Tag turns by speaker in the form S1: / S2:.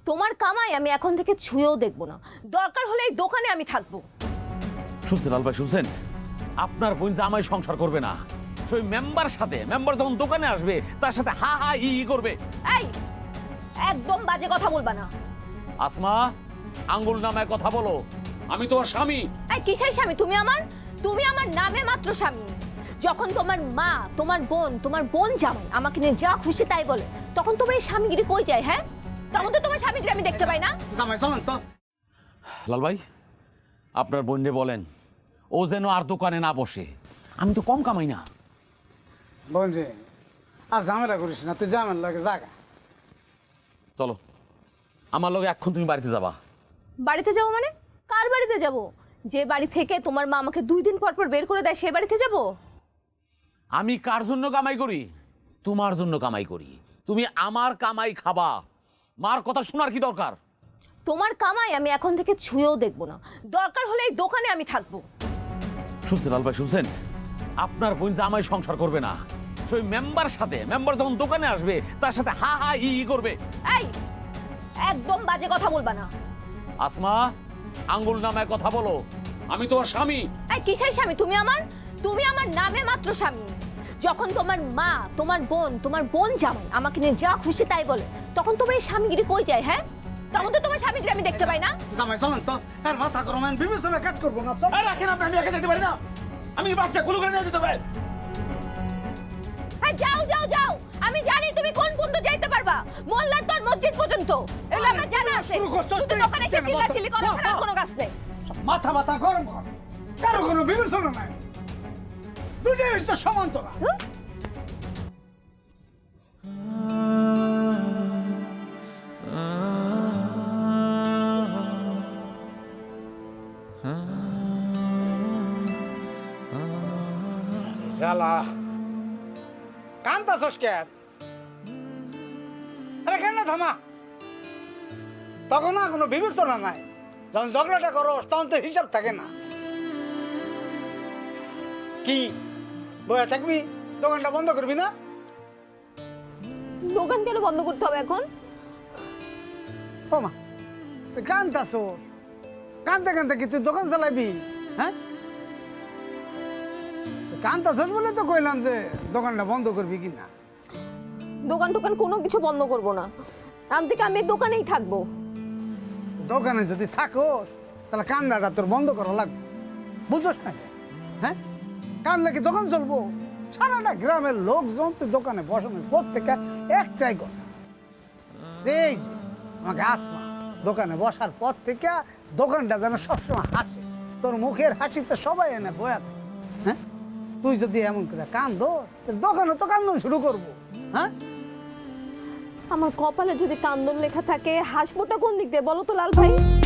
S1: তোমার কামাই আমি এখন থেকে ছুঁয়েও দেখবো না, দরকার হলে এই দোকানে আমি থাকবো।
S2: শুনছেন লাল ভাই, শুনছেন? আপনার বোন জামাই সংসার করবে না, সেই মেম্বার সাথে, মেম্বার যখন দোকানে আসবে তার সাথে হা হা হি হি করবে।
S1: এই একদম বাজে কথা বলবা না।
S2: আসমা, আঙ্গুল নামায় কথা বলো, আমি তোমার স্বামী।
S1: এই কিসের স্বামী? তুমি আমার নামে মাত্র স্বামী। যখন তোমার মা, তোমার বোন জামাই আমাকে নিয়ে যা খুশি তাই বলে, তখন তোমার এই স্বামীগিরি কই যায়? হ্যাঁ, তখন তো তোমার স্বামীগিরি আমি দেখতে পাই না।
S3: জামাই চলেন তো।
S2: লাল ভাই, আপনার বোনকে বলেন ও যেন আর দোকানে না বসে, আমি তো কম কামাই না।
S3: বোন রে, আর ঝামেলা করিস না, তুই ঝামেলা লাগে জাগা।
S2: চলো আমার লগে এখন তুমি বাড়িতে যাবা।
S1: বাড়িতে যাবো মানে? কার বাড়িতে যাব? যে বাড়ি থেকে তোমার মা আমাকে 2 দিন পর পর বের করে দেয়, সে বাড়িতে যাব?
S2: আমি কার জন্য কামাই করি? তোমার জন্য কামাই করি। তুমি আমার কামাই খাবা, মার কথা শোনার কি দরকার?
S1: তোমার কামাই আমি এখন থেকে ছুঁয়েও দেখবো না, দরকার হলে এই দোকানে আমি থাকবো।
S2: শুনছেন লাল ভাই, শুনছেন? আপনার বোন জামাই সংসার করবে না, সেই মেম্বার সাথে, মেম্বার যখন দোকানে আসবে তার সাথে হা হা হি হি করবে।
S1: এই একদম বাজে কথা বলবা না।
S2: আসমা, আঙ্গুল নামায় কথা বলো, আমি তোমার স্বামী।
S1: এই কিসের স্বামী? তুমি আমার নামে মাত্র স্বামী। যখন তোমার মা, তোমার বোন জামাই আমাকে নিয়ে যা খুশি তাই বলে, তখন তোমার এই স্বামীগিরি কই যায়? হ্যাঁ, তখন তো তোমার স্বামীগিরি আমি দেখতে পাই না।
S3: জামাই চলেন তো, আর মাথা গরম হয়, বিবেচনা কাজ করবো না। চল।
S2: রাখেন আপনি, আমি একা যেতে পারি না, আমি বাচ্চা কুলু করে নিয়ে যেতে পারি।
S1: হ্যাঁ, যাও, আমি জানি তুমি কোন পর্যন্ত যাইতে পারবা, মোল্লার তোর মসজিদ পর্যন্ত। এগুলো আমার জানা আছে।
S3: শুরু করছো
S1: শুধু
S3: তুই।
S1: দোকানে এসে চিল্লাচিল্লি করা ছাড়া আর কোনো কাজ নেই।
S3: মাথা গরম কর, কারো কোনো বিবেচনা নাই, দুটোই হচ্ছে সমান্তরা। শালা কান্তাছস কেন? আরে কেন থামা, তখন না কোনো বিবেচনা নাই। যখন ঝগড়াটা করো তখন তো হিসাব থাকে না। কি বয়া থাকবি? দোকানটা বন্ধ করবি না?
S1: দোকান কেন বন্ধ করতে হবে এখন?
S3: ও মা, তুই কান্তাছস, কানতে কি তুই দোকান চালাবি? হ্যাঁ, কান্তাছস বলে তো কইলাম যে দোকানটা বন্ধ করবি কিনা।
S1: দোকান কোনো কিছু বন্ধ করব না, আজ থেকে আমি এই দোকানেই থাকবো।
S3: দোকানে যদি থাকো তাহলে কান্নাটা তোর বন্ধ করা লাগবে, বুঝোস না? হ্যাঁ, কানলে কি দোকান চলবো? সারাটা গ্রামের লোকজন তুই দোকানে বসানোর প্রত্যেকটা একটাই কথা, এই যে আমাকে আসমা দোকানে বসার পর থেকে দোকানটা যেন সবসময় হাসে, তোর মুখের হাসিতে সবাই এনে বয়া থাকে। হ্যাঁ, তুই যদি এমন করে কান্দো, দোকানে তো কান্দন শুরু করবো। হ্যাঁ,
S1: আমার কপালে যদি কান্দন লেখা থাকে, হাসবোটা কোন দিক দিয়ে বলো তো লাল ভাই?